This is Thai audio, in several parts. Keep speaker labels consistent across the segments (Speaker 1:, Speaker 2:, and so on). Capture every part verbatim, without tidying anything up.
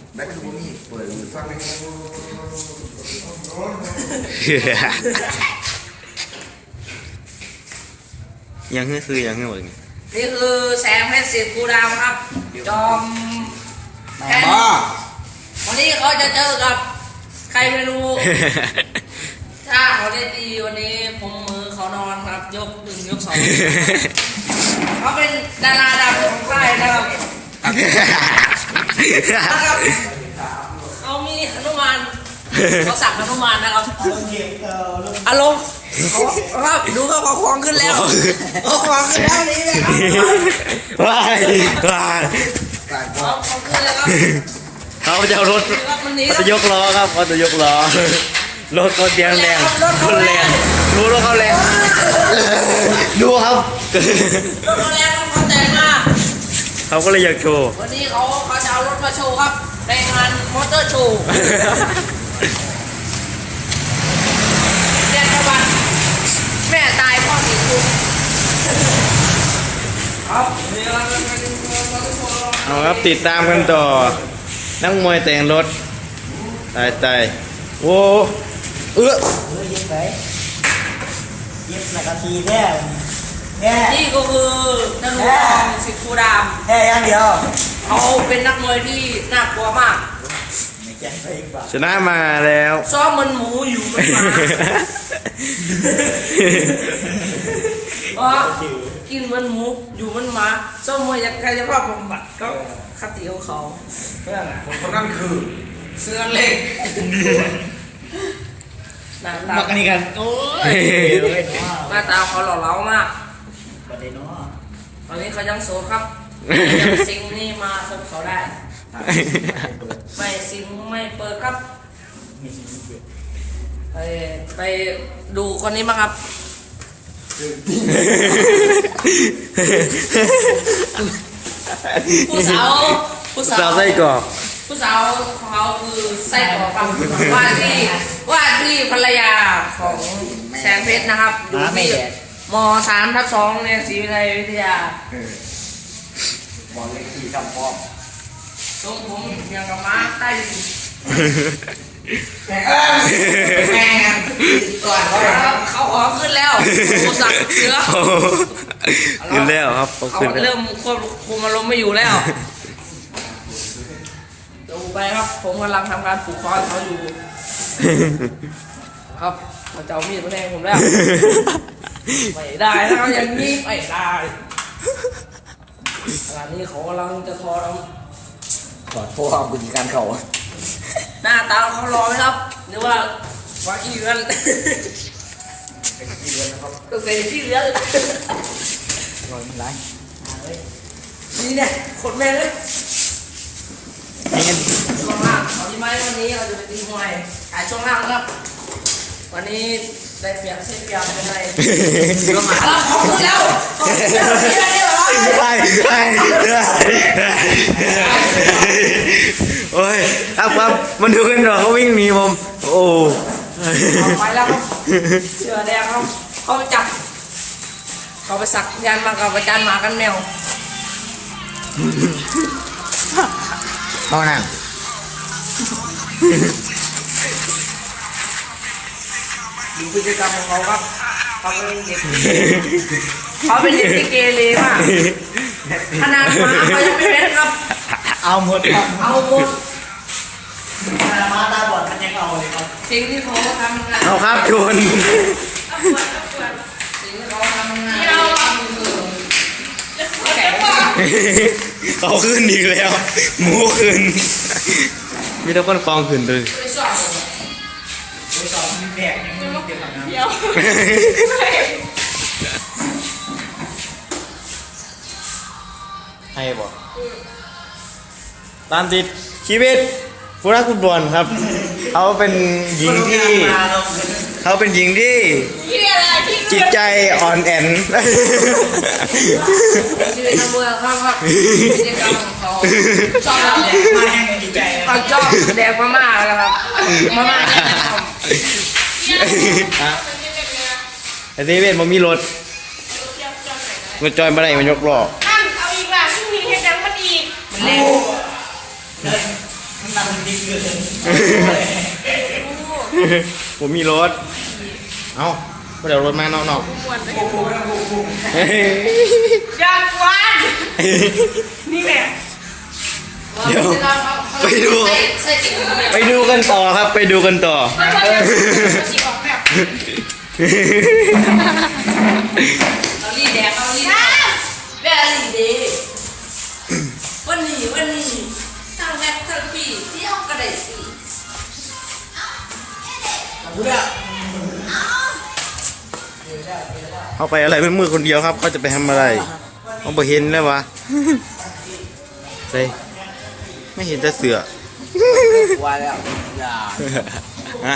Speaker 1: แบ็คทูนี่เปิดมือฟัง
Speaker 2: ยังเฮ้ยคือยังเฮ้ยหมดนี่
Speaker 3: นี่คือแสงเพชรสิทธิ์กูดาวครับจอมแอนวันนี้เขาจะเจอกับใครไม่รู้ ถ้าเขาได้ตีวันนี้ผมมือเขานอนครับยกหนึ่งยกสองเขาเป็นดาราดังของค่ายนะครับนะครับเขามีหนุมานเขาสั่งหนุมานนะครับอารมณ์เขาครับดูเขาเขาคล้องขึ้นแล้วเขาคล้องขึ้นแล้วนี่นะครับ
Speaker 2: ว้ายว้าย
Speaker 3: เขาคล้องขึ้นแล้วครับ
Speaker 2: เขาจะเอารถเขาจะยกล้อครับเขาจะยกล้อรถเขาเตียงแรงคนแรงดูรถเขาแรงดูครับ
Speaker 3: รถเขาแรงเขาแต่งมา
Speaker 2: เขาก็เลยอยากโชว์
Speaker 3: วันนี้เขาเขาจะเอารถมาโชว์ครับในงานมอเตอร์โชว์เรียนประวัติแม่ตายพ่อหนีคุกครับ
Speaker 2: เอาครับติดตามกันต่อนักมวยแต่งรถตายตายโอ้เอื้อ
Speaker 4: เฮ้ยยิบไปยิบหนักทีแค่แค่
Speaker 3: นี่ก็คือนักมวยของสิทธิ์คูดาม
Speaker 4: แค่อย่างเดียว
Speaker 3: เขาเป็นนักมวยที่น่ากลัวมาก
Speaker 4: ไม่แจ้งไปอีกป่ะ
Speaker 2: ชนะมาแล้ว
Speaker 3: ซ้อมมันหมูอยู่มันหมาเพราะกินมันหมูอยู่มันหมาซ้อมมวยอยากใครจะภาพบำบัดก็คติของเขา
Speaker 1: คนคนนั้นคือ
Speaker 3: เสื้อเล็กหน้าตา
Speaker 4: มากันนี่กันโอ้ย
Speaker 3: หน้าตาเขาหล่อเหลามาก
Speaker 4: ประเด็นเนาะ
Speaker 3: ตอนนี้เขายังโสดครับยังซิงนี่มาคบเขาได้ ไม่ซิงไม่เปิดครับ ไปไปดูคนนี้มาครับ ผู้สาวผู้สา
Speaker 2: สาว วไส้กรอก
Speaker 3: ผู้สาวของเขาคือไส้กรอกครับว่าที่ว่าที่ภรรยาของแสงเพชรนะครับอยู่ที่มสามทับสองเนี่ยศรีวิไลวิทยา
Speaker 1: บอลเล็กขี่ทำป้อม
Speaker 3: ทรงผมอย่างกับม้าใต้ดิน
Speaker 1: แม่แม่ก่อนเขา
Speaker 3: ครับเขาขอขึ้นแล้วโคสักเสือ
Speaker 2: ขึ้นแล้วครับเขา
Speaker 3: เขา
Speaker 2: ขึ้นแล้ว
Speaker 3: เริ่มควบคุมอารมณ์ไม่อยู่แล้วดูไปครับผมกำลังทำการปลูกคอนเขาอยู่ครับเขาจะเอามีดมาแทงผมแล้วไม่ได้นะครับอย่างนี้ไม่ได้ขณะนี้เขากำลังจะทอเรา
Speaker 1: ขอโทษครับคุณการเขา
Speaker 3: หน้าตาเขารอไหมครับหรือว่าว่าขี้เลือนก็เสียขี้เลือน
Speaker 4: รอยมันไร
Speaker 3: นี่เนี่ยขนแม่เลย
Speaker 4: นี่กัน
Speaker 3: ช่วงล่างเอาที่ไม้วันนี้เราจะไปตีมวยขายช่วงล่างครับวันนี้ได้เปรียบเสียเปรียบเป็นไรก็มาแล้วขอบคุณแล้วขอบคุณแล้วที่ได้เหรอ
Speaker 2: ไปไปโอ้ยครับครับมันดูกันหรอเขาวิ่งหนีผมโอ้
Speaker 3: เอาไปแล้วครับเสือแดงครับเขาไปจับเขาไปสักยันมากับอาจารย์หมากันแมว
Speaker 4: เอาหนัง
Speaker 3: ดูพฤติกรรมของเขาครับเขาเป็นเด็กเขาเป็นเด็กที่เกเรมากขนาดหมาเขายังไม่เป็นครับ
Speaker 4: เอาหมด
Speaker 3: เอาหมด
Speaker 4: มาตาบอดมันยังเอาเลยครับ
Speaker 3: สิ่งที่เขาทำงาน
Speaker 2: เอาครับชน
Speaker 3: สิ่งที่เขาทำงาน
Speaker 2: เขาขึ้นอีกแล้วหมูขึ้นมีแต่คนคลองขึ้นเลย
Speaker 3: ไปสอบ
Speaker 4: ไปสอบมีแบกยังไม่เก็บหลังน้ำ
Speaker 3: เดี๋ยว
Speaker 2: ให้บอกตามติดชีวิตผู้รักคุณบอลครับเขาเป็นหญิงที่เขาเป็นหญิงที่
Speaker 3: พี่อะไรพี่
Speaker 2: จิตใจอ่อนแอน
Speaker 3: ชีวิตนักมวยครับครับพฤติกรรมของเขาชอบแดก
Speaker 4: มายังไม่ดีใจ
Speaker 3: เขาชอบแดกมาม่าเลยครับมาม่าเนี่ยนะครับ
Speaker 2: ไอ้เซเว่นมันมีรถมันจอยมาได้มันยกล้อ
Speaker 5: นั่นเอาอีกล่ะซึ่งมีเฮ็ดยังมันอีก
Speaker 3: มันเล่น
Speaker 4: เมันนั่งดิเกิน
Speaker 2: ผมมีรถ เอ้าก็เดี๋ยวรถมานอกนอก
Speaker 3: อยากกวนนี่แหละ
Speaker 2: เดี๋ยวไปดู
Speaker 3: ใส่ใส่จิ๋วเนี่ย
Speaker 2: ไปดูกันต่อครับ ไปดูกันต่อ
Speaker 3: มันก็จะจิ๋วออกแบบเอาลีแดงเอาลีแดงแบบลีเดวันนี้วันนี้ทางแม็กทางปีที่เอากระไดสิ
Speaker 1: กูเนี่ย
Speaker 2: เขาไปอะไรมืดๆคนเดียวครับ เขาจะไปทำอะไรเขาไปเห็นแล้ววะใช่ไม่เห็นจะเสือ
Speaker 1: ว่าแล้วอย่า
Speaker 2: ฮะ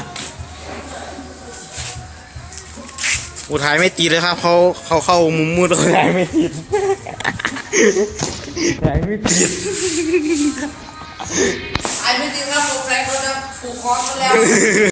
Speaker 2: อุทัยไม่ตีเลยครับเขาเขาเข้ามุมมืดอุทัยไม่ติดอุทัยไม่ติด
Speaker 3: ไอ้ไม่จริงครับสงสัยเขาจะผูกคอกันแล้ว